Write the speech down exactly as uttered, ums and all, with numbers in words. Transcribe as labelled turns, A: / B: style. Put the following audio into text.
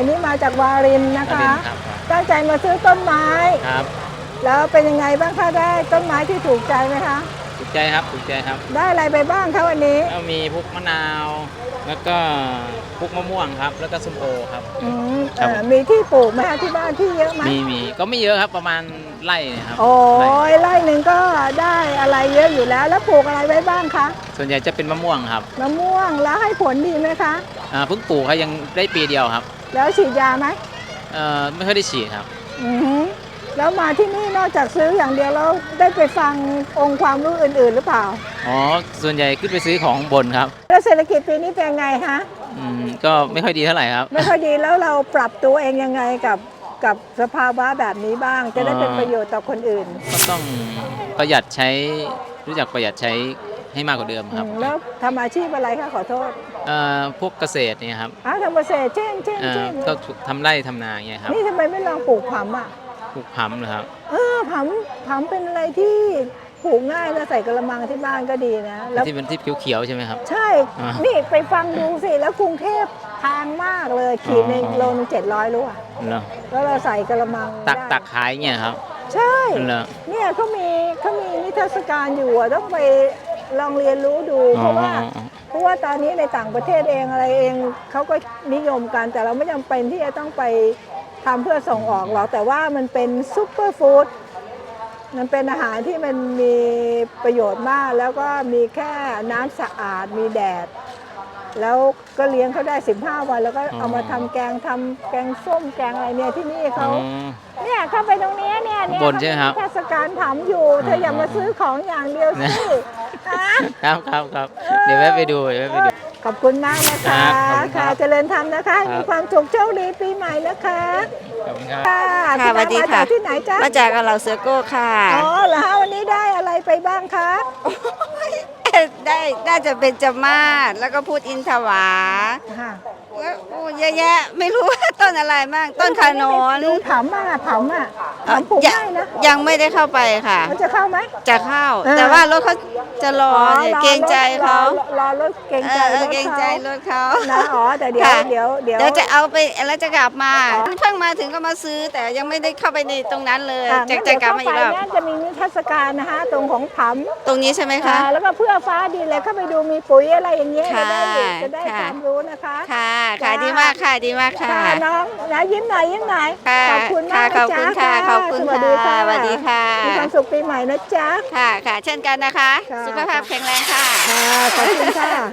A: อันนี้มาจากวารินนะ
B: วาริ
A: คะ
B: นครับ
A: ตั้งใจมาซื้อต้นไม้
B: ครับ
A: แล้วเป็นยังไงบ้างคะได้ต้นไม้ที่ถูกใจไหมคะ
B: ถูกใจครับถูกใจครับ
A: ได้อะไรไปบ้างคะวันนี้
B: แล้วมีพวกมะนาว แล้วก็พวกมะม่วงครับ แล้วก็ส้มโอครับ
A: อืม
B: ครับ
A: เอ่อมีที่ปลูกไหมคะที่บ้านที่เยอะไหม
B: มีมีก็ไม่เยอะครับประมาณไร่เนยครับ
A: โอ้
B: ไร่
A: ยไร่หนึ่งก็ได้อะไรเยอะอยู่แล้ว แล้วปลูกอะไรไว้บ้างคะ
B: ส่วนใหญ่จะเป็นมะม่วงครับ
A: มะม่วงแล้วให้ผลดีไหมคะ
B: อ่าเพิ่งปลูกครับยังได้ปีเดียวครับ
A: แล้วฉีดยาไหม
B: เอ่อไม่ค่อยได้ฉีดครับ
A: อือหือแล้วมาที่นี่นอกจากซื้ออย่างเดียวแล้วได้ไปฟังองค์ความรู้อื่นๆหรือเปล่า
B: อ๋อส่วนใหญ่ขึ้นไปซื้อของบนครับ
A: แล้วเศรษฐกิจปีนี้เป็นไงคะ
B: อืมก็ไม่ค่อยดีเท่าไหร่ครับ
A: ไม่ค่อยดีแล้วเราปรับตัวเองยังไงกับกับสภาวะแบบนี้บ้าง จะได้เป็นประโยชน์ต่อคนอื่น
B: ก็ต้องประหยัดใช้รู้จักประหยัดใช้ให้มากกว่าเดิมครับ
A: อืมแล้วทำอาชีพอะไรคะขอโทษ
B: เอ่อพวกเกษตรเนี่ยครับ
A: อ้าวทำเกษตรเช่นเช่น
B: เอ่อ
A: เช่น
B: ก็ทำไร่ทำนาเนี่ยครับ
A: นี่ทำไมไม่ลองปลูกผำอ่ะ
B: ปลูกผำนะครับ
A: เออผำผำเป็นอะไรที่ปลูกง่ายแล้วใส่กระมังที่บ้านก็ดีนะแล้ว
B: ที่เป็นที่เขียวๆใช่ไหมครับ
A: ใช่
B: อ่า
A: นี่ไปฟังดูสิ แล้วกรุงเทพแพงมากเลย ขีดหนึ่ง
B: อ๋อ
A: โลนึงเจ็ดร้อยรู้อ่ะ
B: เหรอ
A: แล้วเราใส่กระมัง
B: ตัก
A: ได้
B: ตักขายเนี่ยครับ
A: ใช่
B: เหรอ
A: เนี่ยเขามีเขามีนิทรรศการอยู่อะต้องไปลองเรียนรู้ดู เพ
B: อ๋อ
A: ราะว่า เพราะว่าตอนนี้ในต่างประเทศเองอะไรเองเขาก็นิยมกัน แต่เราไม่จำเป็นที่จะต้องไปทำเพื่อส่งออกหรอก แต่ว่ามันเป็นซุปเปอร์ฟู้ด มันเป็นอาหารที่มันมีประโยชน์มาก แล้วก็มีแค่น้ำสะอาด มีแดด แล้วก็เลี้ยงเขาได้สิบห้าวัน แล้วก็เอามาทำแกงทำแกงส้มแกงอะไรเนี่ยที่นี่
B: อ๋
A: เขา
B: อ
A: เนี่ยเข้าไปตรงเนี้ยเนี่ยเนี่ย
B: บนใช่ไหมครับ
A: เทศกาลถามอยู่ เธออย่ามาซื้อของอย่างเดียวสิฮะ
B: ครับครับครับเดี๋ยวแวะไปดูเดี๋ยวแวะไปดู
A: ขอบคุณมากนะคะ
B: ครับขอบคุณครั
A: ค่ะ
B: บ
A: เจริญธรรมนะคะ
B: ครับ
A: มีความสุขโชคดีปีใหม่นะคะ
B: ขอบคุณครับ
A: ค่ะ
C: ค่ะสวัสดี
A: มา
C: ค่ะ
A: จากที่ไหนจ๊ะ
C: มาจากเหล่าเสือโก้ค่ะ
A: อ๋อเหรอฮะวันนี้ได้อะไรไปบ้างคะ
C: ได้น่าจะเป็นจมาศแล้วก็พูดอินทวา
A: ค่ะ
C: แล้วโอ้เยอะแยะไม่รู้ว่าต้นอะไรบ้างต้นขนน
A: ดูถามอ่ะถามอ่ะถามปลูก
C: ยัง
A: ง่ายนะ
C: ยังไม่ได้เข้าไปค่ะ
A: มันจะเข้าไหม
C: จะเข้า
A: เออ
C: แต่ว่ารถเขาจะรอเนี่ย
A: รอ
C: เกรงใจเขา
A: รอรอรถเกรงใจ
C: เออ
A: รถ
C: เกรงใจรถเขา
A: นะอ๋อแต่เดี๋ยว
C: ค่ะ
A: เดี๋ยวเดี๋ยว
C: เดี๋ยวจะเอาไปแล้วจะกลับมา
A: อ๋อ
C: เพิ่งมาถึงก็มาซื้อ แต่ยังไม่ได้เข้าไปในตรงนั้นเลย
A: ค่ะ
C: จะ
A: งั้น
C: จะ
A: เดี๋ยว
C: กลับ
A: เข้า
C: มา
A: ไป
C: อีกรอบ
A: เนี่ยจะมีนิทรรศการนะคะตรงของผำ
C: ตรงนี้ใช่ไหม
A: ค่ะ
C: คะ
A: แล้วก็เพื่อฟ้าดีเลยเข้าไปดูมีปุ๋ยอะไรอย่างเงี้ยจะ
C: ค่ะ
A: ได้จะได้
C: ค่ะ
A: ความรู้นะคะ
C: ค่ะค่ะ
A: จ้า
C: ดีมากค่ะดีมากค่ะ
A: ค่ะน้องนะยิ้มหน่อยยิ้มหน่อย
C: ค่ะ
A: ขอบคุณมาก
C: ค่ะ
A: นะ
C: ขอบคุณ
A: จ๊ะ
C: ค่ะขอบคุณ
A: สวัสดีค่ะ
C: ค่ะสวัสดีค่ะ
A: มีความสุขปีใหม่นะจ๊ะ
C: ค่ะค่ะ เช่นกันนะคะ
A: ค่ะ
C: สุขภาพแข็งแรงค่ะ
A: ค่ะขอบคุณค่ะ